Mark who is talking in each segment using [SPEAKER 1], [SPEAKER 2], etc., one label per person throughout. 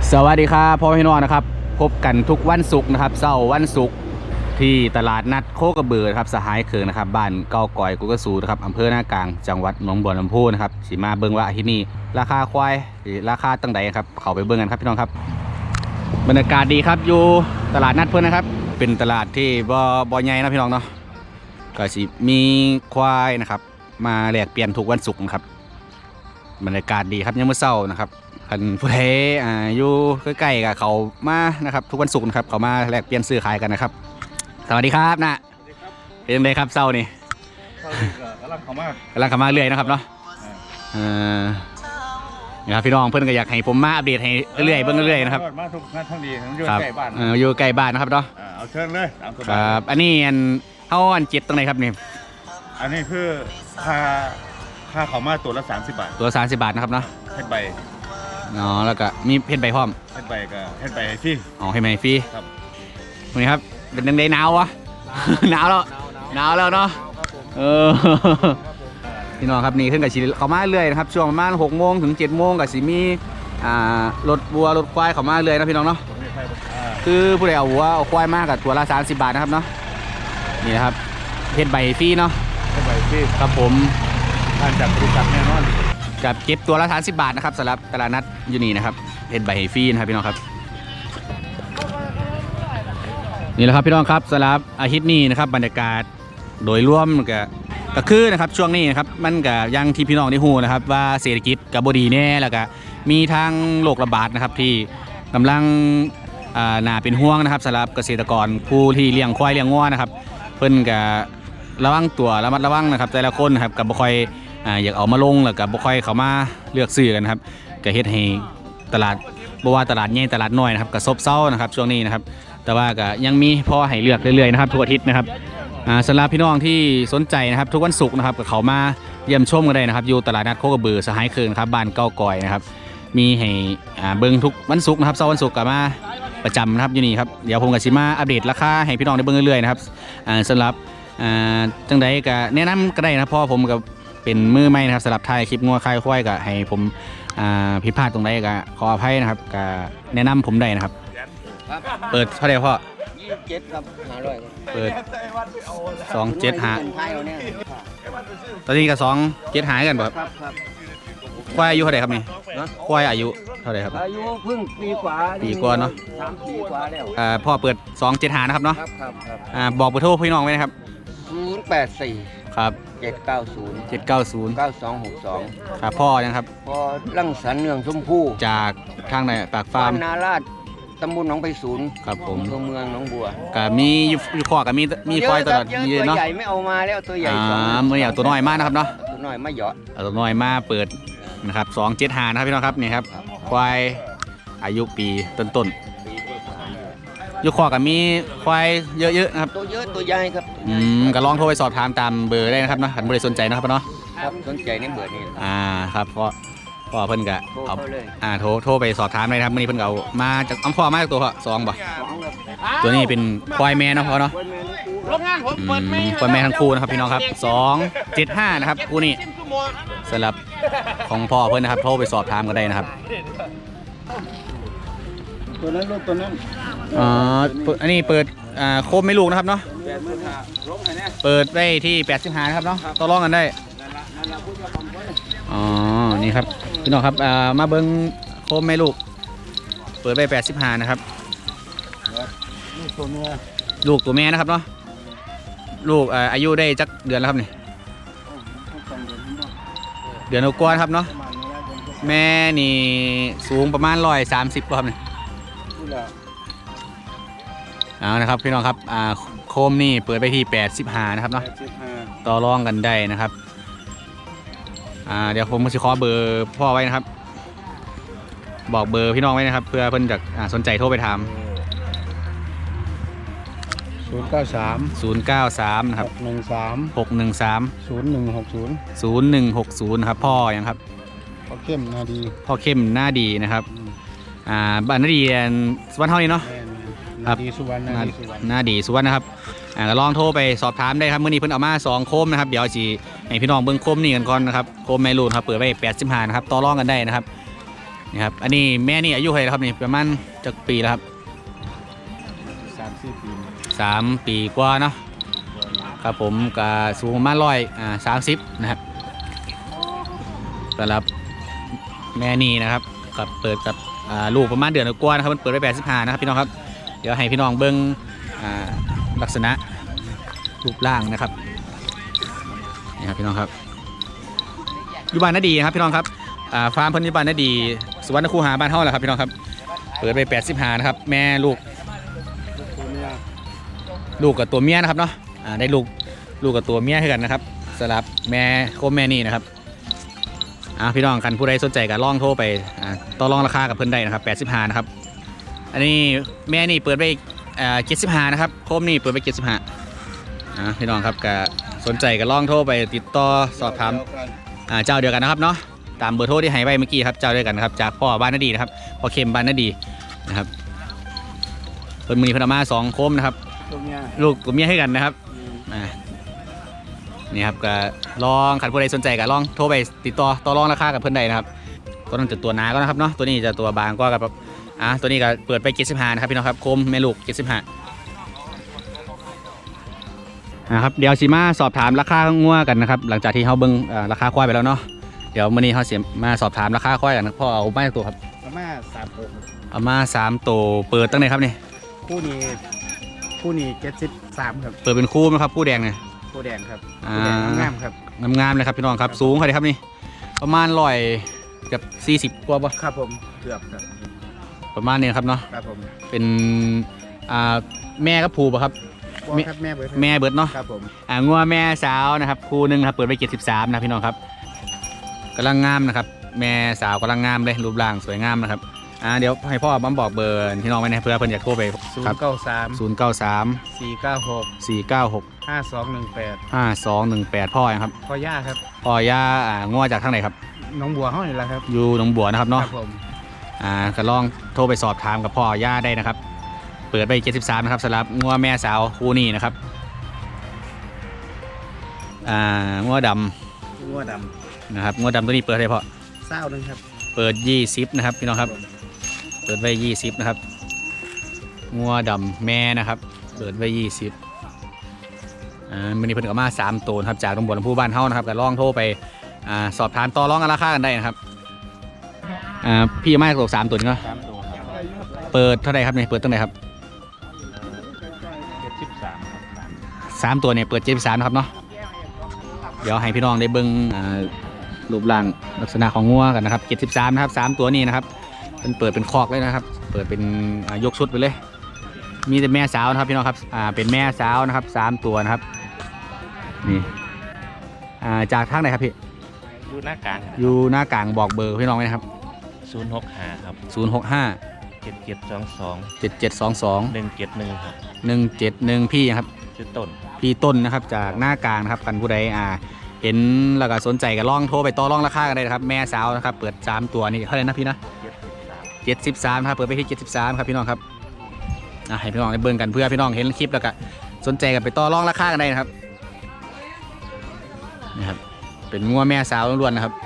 [SPEAKER 1] สวัสดีครับพ่อพี่น้องนะครับพบกันทุกวันศุกร์นะครับเสาร์วันศุกร์ที่ตลาดนัดโคกระเบือครับสหายเคืองนะครับบ้านเก้าก่อยกุกสูนะครับอำเภอหน้ากลางจังหวัดหนองบัวลำพูนะครับสีมาเบิ้งว่าที่นี่ราคาควายราคาตั้งใดครับเขาไปเบิ้งกันครับพี่น้องครับบรรยากาศดีครับอยู่ตลาดนัดเพื่อนนะครับเป็นตลาดที่บ่ใหญ่นะพี่น้องเนาะก็สิมีควายนะครับมาแลกเปลี่ยนทุกวันศุกร์นะครับบรรยากาศดีครับยังเมื่อเช้านะครับคันผู้ใดอยู่ใกล้ๆกับเขามานะครับทุกวันศุกร์นะครับเขามาแลกเปลี่ยนซื้อขายกันนะครับสวัสดีครับนะเป็นยังไงครับเช้านี่กำลังเข้ามาเรื่อยนะครับเนาะนี่ครับพี่น้องเพื่อนก็อยากให้ผมมาอัปเดตให้เรื่อยๆเบิ่งเรื่อยๆนะครับ
[SPEAKER 2] มาทุกท่านดีทั้งอยู่ใกล้บ้าน
[SPEAKER 1] อยู่ใกล้บ้านนะครับเนาะ
[SPEAKER 2] เอาเชิญเลย
[SPEAKER 1] ครับอันนี้เอาอันเจ็ดตรงไหนครับนี่
[SPEAKER 2] อันนี้คือค่าเขามาตัวละ30 บาท
[SPEAKER 1] ตัว30 บาทนะครับเนาะ
[SPEAKER 2] เพชรใบ
[SPEAKER 1] อ๋อแล้วก็มีเพชรใบพร้อม
[SPEAKER 2] เพชรใบกับเพชรใบฟรี
[SPEAKER 1] อ๋อให้ใบฟรี
[SPEAKER 2] ครับ
[SPEAKER 1] นี่ครับเป็นยังไงหนาววะหนาวแล้วเนาะพี่น้องครับนี่ขึ้นกับชีเขามาเรื่อยนะครับช่วงประมาณ6 โมงถึง7 โมงกับสีมีรถวัวรถควายเขามาเรื่อยนะพี่น้องเนาะคือผู้ใดเอาวัวเอาควายมากกับตัวละ30 บาทนะครับเนาะนี่นะครับเพชรใบฟรีเนาะ
[SPEAKER 2] เพชรใบฟรี
[SPEAKER 1] ครับผม
[SPEAKER 2] ทานจากบริษัทแน่นอน
[SPEAKER 1] กับเก็บตัวละ30 บาทนะครับสำหรับตลาดนัดยูนีนะครับเพชรใบฟรีนะครับพี่น้องครับนี่แหละครับพี่น้องครับสำหรับอาทิตย์นี้นะครับบรรยากาศโดยรวมก็คือนะครับช่วงนี้นะครับมันก็ยังที่พี่น้องได้ฮู้นะครับว่าเศรษฐกิจกับบดีแน่แล้วก็มีทางโรคระบาดนะครับที่กำลังน่าเป็นห่วงนะครับสำหรับเกษตรกรผู้ที่เลี้ยงควายเลี้ยงงัวนะครับเพิ่นก็ระวังตัวระมัดระวังนะครับแต่ละคนนะครับกับบ่ค่อยอยากเอามาลงแล้วกับบ่ค่อยเข้ามาเลือกซื้อกันครับก็เฮ็ดให้ตลาดบ่ว่าตลาดใหญ่ตลาดน้อยนะครับก็ซบเซานะครับช่วงนี้นะครับแต่ว่าก็ยังมีพอให้เลือกเรื่อยๆนะครับทุกอาทิตย์นะครับสำหรับพี่น้องที่สนใจนะครับทุกวันศุกร์นะครับก็เขามาเยี่ยมชมกันได้นะครับอยู่ตลาดนัดโคกระบือสหายเคืองครับบ้านเก้าก่อยนะครับมีให้เบิ่งทุกวันศุกร์นะครับเสาร์วันศุกร์ก็มาประจำนะครับอยู่นี่ครับเดี๋ยวผมกับสิมาอัปเดตราคาให้พี่น้องได้เบิ่งเรื่อยๆนะครับสำหรับจังใดก็แนะนำก็ได้นะเพราะผมกับเป็นมือใหม่นะครับสำหรับถ่ายคลิปงัวควายควายก็ให้ผมผิดพลาดตรงใดก็ขออภัยนะครับก็แนะนำผมได้นะครับเปิดเท่าไหร่พ่อ
[SPEAKER 3] 27ครับ500
[SPEAKER 1] เปิด27หาตอนนี้ก็27หากันบ่ครับควายอายุเท่าไหร่ครับนี่ควายอายุเท่าไหร่ครับ
[SPEAKER 3] อายุเพิ่งปีกว่า
[SPEAKER 1] เนาะ
[SPEAKER 3] 3 ปีกว่าแล้ว
[SPEAKER 1] พ่อเปิด27หานะครับเนาะ
[SPEAKER 3] ครับ
[SPEAKER 1] บอกเบอร์โทรพี่น้องไว้นะครับ
[SPEAKER 3] 084
[SPEAKER 1] ครับ
[SPEAKER 3] 790 9262
[SPEAKER 1] ครับพ่อนะครับ
[SPEAKER 3] พอรังสรรค์เนืองชมพู่
[SPEAKER 1] จากทางไหนปากฟาร์ม
[SPEAKER 3] นาราชตำบลหนองไผ่ศูนย์
[SPEAKER 1] ครับผม
[SPEAKER 3] เมืองหนองบัว
[SPEAKER 1] ก็มีอยู่ข้อกับมีควายตลอด
[SPEAKER 3] เยอะตัวใหญ่ไม่เอามาแล้วตัวใหญ่
[SPEAKER 1] เมื่อตัวน้อยมากนะครับเนาะ
[SPEAKER 3] ตัวน้อยไม่เหยาะ
[SPEAKER 1] ตัวน้อยมาเปิดนะครับ275นะครับพี่น้องครับนี่ครับควายอายุปีต้นอยู่ข้อกับมีควายเยอะๆนะครับ
[SPEAKER 3] ตัวเยอะตัวใหญ่ครับ
[SPEAKER 1] ก็ลองโทรไปสอบถามตามเบอร์ได้นะครับเนาะถ้าไม่ได้สนใจนะครับเนาะ
[SPEAKER 3] ครับสนใจในเบอร์นี้
[SPEAKER 1] ครับพ่อเพิ่นก็เอาโทรไปสอบถามได้ครับมื้อนี้เพิ่นก็เอามาจากพ่อมาจากตัวพ่อ2บ่ตัวนี้เป็นควายแม่เนาะพ่อเนาะควายแม่ทั้งคู่นะครับพี่น้องครับ275นะครับคู่นี้สำหรับของพ่อเพิ่นนะครับโทรไปสอบถามกันได้นะครับ
[SPEAKER 3] ตัวนั้นลูกตัวนั้น
[SPEAKER 1] อันนี้เปิดโคมไม่ลูกนะครับเนาะเปิดไว้ที่85นะครับเนาะต่อรองกันได้นี่ครับพี่น้องครับมาเบิ้งโคมแม่ลูกเปิดไป85นะครับลูกตัวแม่นะครับเนาะลูกอายุได้จักเดือนแล้วครับนี่เดือนกว่าครับเนาะแม่นี่สูงประมาณ130ครับนี่นะครับพี่น้องครับโคมนี่เปิดไปที่85นะครับเนาะต่อรองกันได้นะครับเดี๋ยวผมจะขอเบอร์พ่อไว้นะครับบอกเบอร์พี่น้องไว้นะครับเพื่อเพิ่นจะสนใจโทรไปถาม
[SPEAKER 3] 093
[SPEAKER 1] นะครับ
[SPEAKER 3] 613
[SPEAKER 1] 0160ครับพ่อยังครับ
[SPEAKER 3] พ่อเข้มหน้
[SPEAKER 1] าดีนะครับบ้านนาดีสุวรรณเท่านี้เนาะ
[SPEAKER 3] นาดีสุวรร
[SPEAKER 1] ณนะครับก็ลองโทรไปสอบถามได้ครับมื้อนี้เพิ่นเอามา2โคมนะครับเดี๋ยวสิให้พี่น้องเบิ่งโคมนี่กันก่อนนะครับโคมแม่ลูกครับเปิดไว้85นะครับต่อรองกันได้นะครับนี่ครับอันนี้แม่นี่อายุเท่าไหร่แล้วครับนี่ประมาณจักปีแล้วครับ
[SPEAKER 3] 3-4 ปี
[SPEAKER 1] 3 ปีกว่าเนาะครับผมก็สูงประมาณ130นะครับสำหรับแม่นี่นะครับกับเปิดกับลูกประมาณเดือนกว่านะครับมันเปิดไป85นะครับพี่น้องครับเดี๋ยวให้พี่น้องเบิ้งลักษณะรูปร่างนะครับนี่ครับพี่น้องครับอยู่บ้านนาดีครับพี่น้องครับฟาร์มเพิ่นอยู่บ้านนาดีสุวรรณคูหาบ้านเฮาแหละครับพี่น้องครับเปิดไป85นะครับแม่ลูก
[SPEAKER 3] ตัวเนี้ย
[SPEAKER 1] ลูกกับตัวเมียนะครับเนาะได้ลูกกับตัวเมียให้กันนะครับสำหรับแม่โคมแม่นี่นะครับพี่น้องกันผู้ใดสนใจก็ลองโทรไปต่อรองราคากับเพิ่นได้นะครับ85นะครับอันนี้แม่นี่เปิดไป75นะครับโคมนี่เปิดไป75พี่น้องครับก็สนใจก็ลองโทรไปติดต่อสอบถามเจ้าเดียวกันนะครับเนาะตามเบอร์โทรที่ให้ไว้เมื่อกี้ครับเจ้าเดียวกันนะครับจากพ่อบ้านนาดีนะครับพ่อเข็มบ้านนาดีนะครับเพิ่นมีพนเอามา2โคมนะครับ
[SPEAKER 3] ตัวเนี้ย
[SPEAKER 1] ลูกตัวเมียให้กันนะครับนี่ครับก็ลองขันผู้ใดสนใจก็ลองโทรไปติดต่อรองราคากับเพื่อนใดนะครับตัวนั้นจะตัวหนาก็นะครับเนาะตัวนี้จะตัวบางก็กับตัวนี้ก็เปิดไป75นะครับพี่น้องครับโคมแม่ลูก75นะครับเดี๋ยวสิมาสอบถามราคางัวกันนะครับหลังจากที่เขาเบิ่งราคาควายไปแล้วเนาะเดี๋ยวมื้อนี้เขาเสียมาสอบถามราคาควายกันพ่อเอามาตัวครับ
[SPEAKER 3] ประมาณ3ตัว
[SPEAKER 1] เอามา3ตัวเปิดตั้งไหนครับนี่
[SPEAKER 3] คู่นี้73ครับ
[SPEAKER 1] เปิดเป็นคู่นะครับคู่แดงเนี่ย
[SPEAKER 3] คู่แดงครับ
[SPEAKER 1] อ่า
[SPEAKER 3] คู่แดงงามๆครับ
[SPEAKER 1] งามๆเลยครับพี่น้องครับสูงเท่าไหร่ครับนี่ประมาณ100กับ40กว่าป่ะ
[SPEAKER 3] ครับผมเกือบครับ
[SPEAKER 1] ประมาณนี้ครับเนาะ
[SPEAKER 3] ครับผม
[SPEAKER 1] เป็นแม่กับผูป่ะครับ
[SPEAKER 3] ว่าครับแม่เบิร์ด
[SPEAKER 1] แม่เบิดเนาะ
[SPEAKER 3] ครับผม
[SPEAKER 1] งัวแม่สาวนะครับคู่หนึงครับเปิดไป73นะพี่น้องครับกำลังงามนะครับแม่สาวกำลังงามเลยรูปร่างสวยงามนะครับเดี๋ยวให้พ่อบัมบอกเบอร์พี่น้องไว้นะเพื่อเพิ่นอยากโทรไปครับ093
[SPEAKER 3] 496
[SPEAKER 1] 496
[SPEAKER 3] 5218
[SPEAKER 1] 5218พ่อยังครับ
[SPEAKER 3] พ่อย่าครับ
[SPEAKER 1] พ่อย่างัวจากทางไหนครับ
[SPEAKER 3] น้องบัวเฮานี่แหละครับ
[SPEAKER 1] อยู่หนองบัวนะครับ
[SPEAKER 3] ค
[SPEAKER 1] เนาะ
[SPEAKER 3] รับผม
[SPEAKER 1] ก็ลองโทรไปสอบถามกับพ่อย่าได้นะครับเปิดไป73นะครับสำหรับงัวแม่สาวคู่นี้นะครับงัวด
[SPEAKER 3] งัวด
[SPEAKER 1] ำนะครับงัวดำตัวนี้เปิดอะไรพ่อ
[SPEAKER 3] ำเศร้าหนึงครับ
[SPEAKER 1] เปิด20นะครับพี่น้องครับเปิดไว้20นะครับงัวดำแม่นะครับเปิดไว้20มันนี้เพิ่นก็มา3ตัวครับจากตำบลลำพูบ้านเฮานะครับก็ลองโทรไปสอบถามต่อรองราคากันได้นะครับพี่มาตัว3ตัวนี้เนาะ
[SPEAKER 3] 3ตัวครับ
[SPEAKER 1] เปิดเท่าไหร่ครับเนี่ยเปิดตั้งไหนครับ
[SPEAKER 3] 73ครับ
[SPEAKER 1] 3ตัวเนี่ยเปิด73นะครับเนาะเดี๋ยวให้พี่น้องได้เบิ่งรูปร่างลักษณะของงัวกันนะครับ73นะครับ3ตัวนี้นะครับเป็นเปิดเป็นคอกเลยนะครับเปิดเป็นยกชุดไปเลยมีแต่แม่สาวนะครับพี่น้องครับเป็นแม่สาวนะครับ3ตัวนะครับนี่จากทางไหนครับพี่
[SPEAKER 4] อยู่หน้ากลาง
[SPEAKER 1] อยู่หน้ากลางบอกเบอร์พี่น้องไว้นะครับ
[SPEAKER 4] 065ครับ
[SPEAKER 1] 065
[SPEAKER 4] 7722
[SPEAKER 1] 7722
[SPEAKER 4] 171ครับ
[SPEAKER 1] 171พี่ครับ
[SPEAKER 4] ชื่อต้น
[SPEAKER 1] พี่ต้นนะครับจากหน้ากลางนะครับกันผู้ใดเห็นแล้วก็สนใจก็ลองโทรไปต่อรองราคากันได้นะครับแม่สาวนะครับเปิด3ตัวนี่เท่าไหร่นะพี่นะ73ครับเปิดไปที่73ครับพี่น้องครับให้พี่น้องได้เบิ่งกันเพื่อพี่น้องเห็นคลิปแล้วก็สนใจกันไปต่อรองราคากันได้นะครับนะครับเป็นงัวแม่สาวล้วนๆนะครับ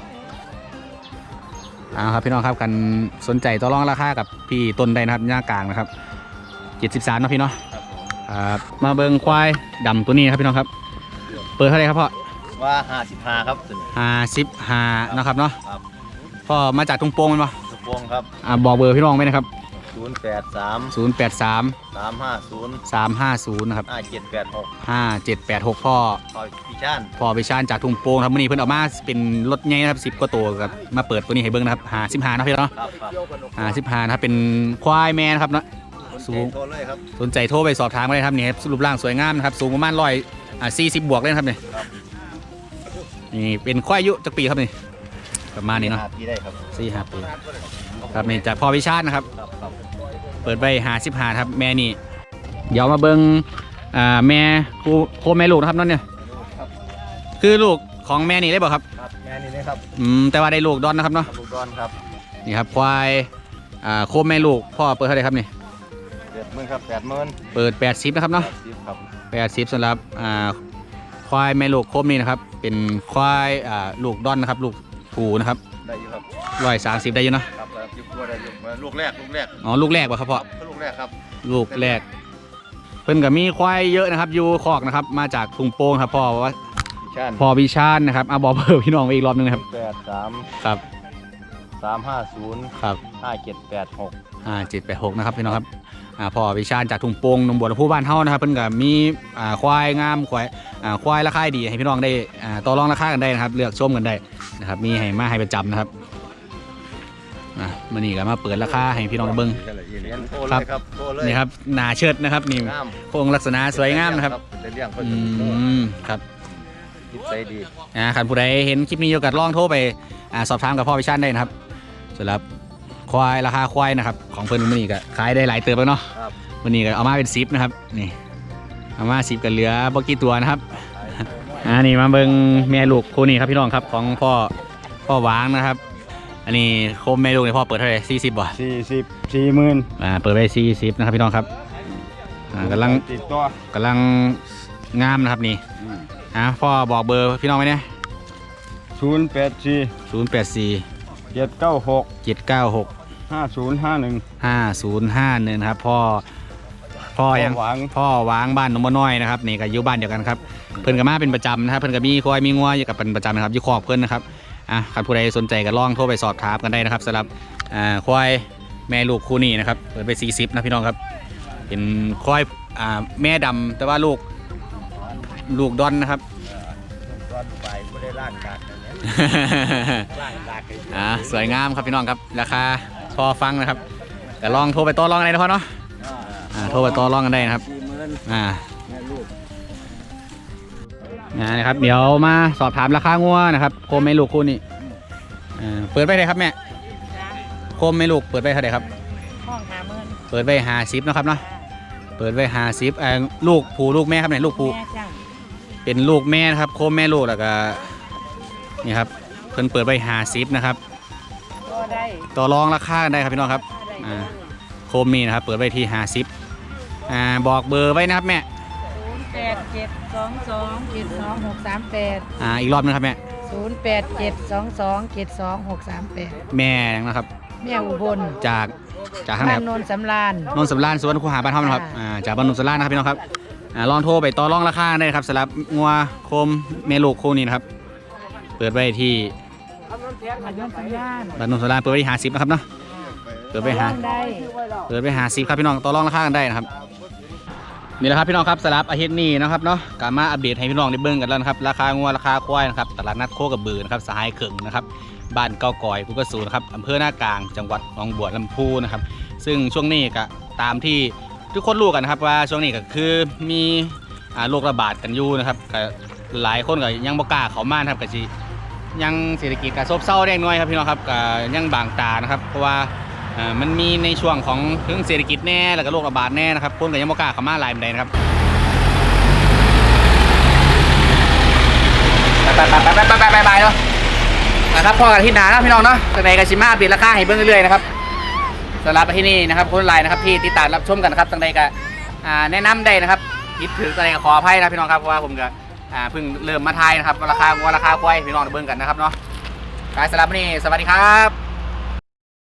[SPEAKER 1] ครับพี่น้องครับกันสนใจต่อรองราคากับพี่ต้นได้นะครับหน้ากลางนะครับ73นะพี่เนาะมาเบิ่งควายดำตัวนี้ครับพี่น้องครับเปิดเท่าไหร่ครับพ่อ
[SPEAKER 4] ว่า55ครับถึง
[SPEAKER 1] 55นะครับเนาะ
[SPEAKER 4] ครับ
[SPEAKER 1] พ่อมาจากทุ่งโป่งมันปะ
[SPEAKER 4] สุพวงครับ
[SPEAKER 1] บอกเบอร์พี่น้องไหมนะครับ
[SPEAKER 4] 083
[SPEAKER 1] 083
[SPEAKER 4] 350
[SPEAKER 1] 350นะครับ
[SPEAKER 4] 5786
[SPEAKER 1] 5786พ่อ
[SPEAKER 4] คอยพี่ชาน
[SPEAKER 1] พ่อไปชานจากทุ่งโป่งครับมื้อนี้เพิ่นเอามาเป็นรถใหญ่นะครับ10กว่าตัวครับมาเปิดตัวนี้ให้เบิ่งนะครับ55นะพี่เนาะ
[SPEAKER 4] ครับครับ
[SPEAKER 1] 55นะครับเป็นควายแม่นะครับเนาะสูง
[SPEAKER 4] โทรเลยครับ
[SPEAKER 1] สนใจโทรไปสอบถามกันได้ครับนี่ครับรูปร่างสวยงามนะครับสูงประมาณ140บวกเลยนะครับนี่
[SPEAKER 4] ครับ
[SPEAKER 1] นี่เป็นควายอายุจักปีครับนี่ประมาณนี้เนาะ
[SPEAKER 4] ที่ได้ครับ
[SPEAKER 1] 4-5 ปีครับนี่จากพ่อวิชาตินะครับ
[SPEAKER 4] ครับครับ
[SPEAKER 1] เปิดไป55ครับแม่นี่เดี๋ยวมาเบิ้งแม่โคแม่ลูกนะครับนั่นเนี่ยคือลูกของแม่นี่ได้บ่ครับ
[SPEAKER 4] ครับแม่นี่นะครับ
[SPEAKER 1] แต่ว่าได้ลูกดอนนะครับเนาะ
[SPEAKER 4] ลูกดอนครับ
[SPEAKER 1] นี่ครับควายโคแม่ลูกพ่อเปิดเท่าไหร่ครับนี่
[SPEAKER 4] 70,000ครับ80,000
[SPEAKER 1] เปิด80นะครับเนาะ
[SPEAKER 4] 10ครับ
[SPEAKER 1] 80สำหรับควายแม่ลูกโคมนี่นะครับเป็นควายลูกดอนนะครับลูกผูนะครับ
[SPEAKER 4] ได้อยู่ครับ
[SPEAKER 1] 130ได้อยู่เนาะ
[SPEAKER 4] ครับยุบตัวได้ยุบลูกแรก
[SPEAKER 1] อ๋อลูกแรกป่ะครับพ่อ
[SPEAKER 4] ลูกแรกครับ
[SPEAKER 1] ลูกแรกเพิ่นก็มีควายเยอะนะครับอยู่คอกนะครับมาจากทุ่งโป่งครับพ่อว่า
[SPEAKER 4] ปีชาติ
[SPEAKER 1] พ่อวิชาญนะครับบอกเบอร์พี่น้องไปอีกรอบนึงนะครับ
[SPEAKER 4] 83
[SPEAKER 1] ครับ
[SPEAKER 4] 350
[SPEAKER 1] ครับ
[SPEAKER 4] 5786
[SPEAKER 1] 786นะครับพี่น้องครับพ่อวิชาญจากทุ่งโป่งหนองบัวลำพูบ้านเฮานะครับเพิ่นก็มีควายงามควายราคาดีให้พี่น้องได้ต่อรองราคากันได้นะครับเลือกชมกันได้นะครับมีให้มาให้ประจำนะครับมื้อนี้ก็มาเปิดราคาให้พี่น้องเบิ่ง
[SPEAKER 4] เรียนโทรเลยครับโทรเลย
[SPEAKER 1] นี่ครับหน้าเชิดนะครับนี่
[SPEAKER 4] งาม
[SPEAKER 1] โครงลักษณะสวยงามนะครับ
[SPEAKER 4] เป็นเรื่องคน
[SPEAKER 1] ครับ
[SPEAKER 4] จิตใจดี
[SPEAKER 1] คันผู้ใดเห็นคลิปนี้อยู่กับลองโทรไปสอบถามกับพ่อวิชาญได้นะครับสำหรับควายราคาควายนะครับของเพิ่นมื้อนี้ก็ขายได้หลายเติบแล้วเนาะ
[SPEAKER 4] ครับ
[SPEAKER 1] วันนี้ก็เอามาเป็น10นะครับนี่เอามา10กันเหลือบ่กี่ตัวนะครับนี่มาเบิ่งแม่ลูกคู่นี้ครับพี่น้องครับของพ่อหวางนะครับอันนี้โคมแม่ลูกเนี่ยพ่อเปิดเท่าไหร่40บ่
[SPEAKER 3] 40,000
[SPEAKER 1] เปิดไป40นะครับพี่น้องครับกำลัง
[SPEAKER 3] ติดตัว
[SPEAKER 1] งามนะครับนี่พ่อบอกเบอร์พี่น้องไว้เนี่ย
[SPEAKER 3] 084
[SPEAKER 1] 084
[SPEAKER 3] 796
[SPEAKER 1] 796
[SPEAKER 3] 5051
[SPEAKER 1] 5051นะครับพ่อยัง พ่อวางบ้านหนองบัวน้อยนะครับนี่ก็อยู่บ้านเดียวกันครับเพิ่นก็มาเป็นประจำนะครับเพิ่นก็มีควายมีงัวอยู่กับเป็นประจำนะครับอยู่คอกเพิ่นนะครับใครผู้ใดสนใจก็ลองโทรไปสอบถามกันได้นะครับสำหรับควายแม่ลูกคู่นี้นะครับเปิดไป40นะพี่น้องครับเป็นควายแม่ดำแต่ว่าลูกดอนนะครับ
[SPEAKER 4] ร้อนไปไม่ได้ร่างกากเลยนะร่างกากเลย
[SPEAKER 1] สวยงามครับพี่น้องครับราคาพอฟังนะครับก็ลองโทรไปต่อรองกันได้นะพ่อเนาะโทรไปต่อรองกันได้นะครับ
[SPEAKER 4] 40,000แม่ลูก
[SPEAKER 1] นะครับเดี๋ยวมาสอบถามราคางัวนะครับโคมแม่ลูกคู่นี้เปิดไปเท่าไหร่ครับแม่โคมแม่ลูกเปิดไปเท่าไหร่ครับ
[SPEAKER 5] ห้อง50,000
[SPEAKER 1] เปิดไป50นะครับเนาะเปิดไป50ลูกผูลูกแม่ครับเนี่ยลูกผู
[SPEAKER 5] แม่จ้ะ
[SPEAKER 1] เป็นลูกแม่นะครับโคมแม่ลูกแล้วก็นี่ครับเพิ่นเปิดไป50นะครับ
[SPEAKER 5] ก็ได้
[SPEAKER 1] ต่อรองราคากันได้ครับพี่น้องครับ
[SPEAKER 5] ได้
[SPEAKER 1] โคมนี่นะครับเปิดไว้ที่50บอกเบอร์ไว้นะครับแม่
[SPEAKER 5] 08722723638
[SPEAKER 1] อีกรอบนึงครับแม่
[SPEAKER 5] 08722723638
[SPEAKER 1] แม่นะครับ
[SPEAKER 5] แม่อุบล
[SPEAKER 1] จากทางไหน
[SPEAKER 5] บ้า
[SPEAKER 1] คน รับ
[SPEAKER 5] โนนสำราญ
[SPEAKER 1] นนท์สำราญสวนคูหาบ้านเฮานะครับจากบ้านนนท์สำราญนะครับพี่น้องครับลองโทรไปต่อรองราคาได้ครับสำหรับงัวโคมแม่ลูกคู่นี้นะครับเปิดไว้ที่
[SPEAKER 5] บ้านโนนสำราญ
[SPEAKER 1] บ้านนนท์สำราญเปิดไว้ที่50นะครับเนาะเปิดไว้
[SPEAKER 5] ร้องได้
[SPEAKER 1] 50ครับพี่น้องต่อรองราคากันได้นะครับนี่แหละครับพี่น้องครับสำหรับอาทิตย์นี้นะครับเนาะกลับมาอัปเดตให้พี่น้องได้เบิ่งกันแล้วนะครับราคางัวราคาควายนะครับตลาดนัดโคกระบือนะครับสหายเข่งนะครับบ้านเก้ากอยภูกระสูนะครับอำเภอหน้ากลางจังหวัดหนองบัวลำพูนะครับซึ่งช่วงนี้ก็ตามที่ทุกคนรู้กันนะครับว่าช่วงนี้ก็คือมีโรคระบาดกันอยู่นะครับก็หลายคนก็ยังบ่กล้าเข้ามานะครับก็สิยังเศรษฐกิจก็ซบเซาแดงน้อยครับพี่น้องครับก็ยังบางตานะครับเพราะว่ามันมีในช่วงของเรื่องเศรษฐกิจแน่แล้วก็โรคระบาดแน่นะครับคนก็ยังบ่กล้าเข้ามาหลายปานใดนะครับไปเนาะนะครับพ่อกันที่หนานะพี่น้องเนาะจากไหนก็ชิมาอัปเดตราคาให้เบิ่งเรื่อยๆนะครับสำหรับที่นี่นะครับคนไลน์นะครับที่ติดตามรับชมกันนะครับจากไหนก็แนะนำได้นะครับคิดถึงจากไหนก็ขออภัยนะพี่น้องครับเพราะว่าผมก็เพิ่งเริ่มมาทายนะครับราคาควายพี่น้องเบิ่งกันนะครับเนาะสำหรับวันนี้สวัสดีครับ